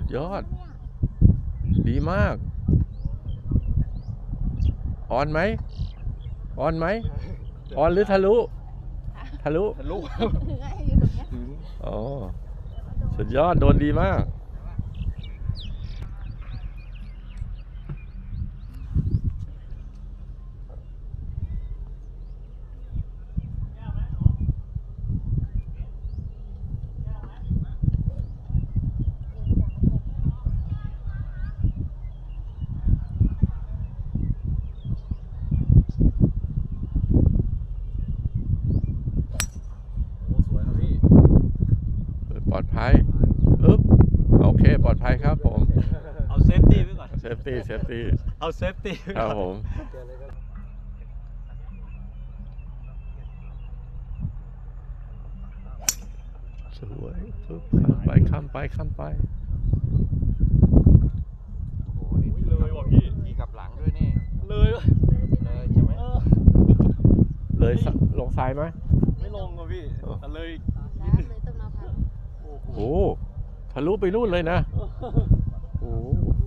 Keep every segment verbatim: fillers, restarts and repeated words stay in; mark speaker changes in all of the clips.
Speaker 1: ยอดดีมากออนไหมออนไหมออนหรือทะลุทะลุ
Speaker 2: ทะลุ
Speaker 1: อ๋อสุดยอดโดนดีมากปลอดภัยอึ๊บโอเคปลอดภัยครับผม
Speaker 2: เอาเซฟตี้ไว้ก่อน
Speaker 1: เซฟตี้เซฟตี้
Speaker 2: เอาเซฟตี้
Speaker 1: ครับผมสวยปึ๊บข้ามไปข้ามไปข้ามไป
Speaker 2: โอ้โหนี่เลยว่ะพี่ขี่กลับหลังด้วยนี่เลยเลยใช่ไหม
Speaker 1: เลยลงซ้ายไหม
Speaker 2: ไม่ลงว่ะพี่แต่เลยนิดนึงโอ้โห
Speaker 1: โอ้ทะลุไปนู่นเลยนะโอ้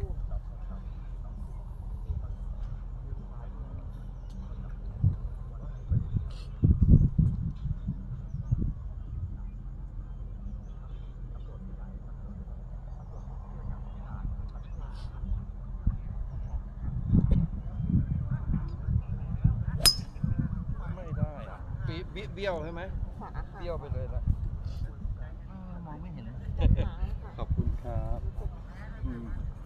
Speaker 2: ไม่ได้ปีเบี้ยวใช่ไหมเบี้ยวไปเลยละมองไม่เห็นขอบคุณครับ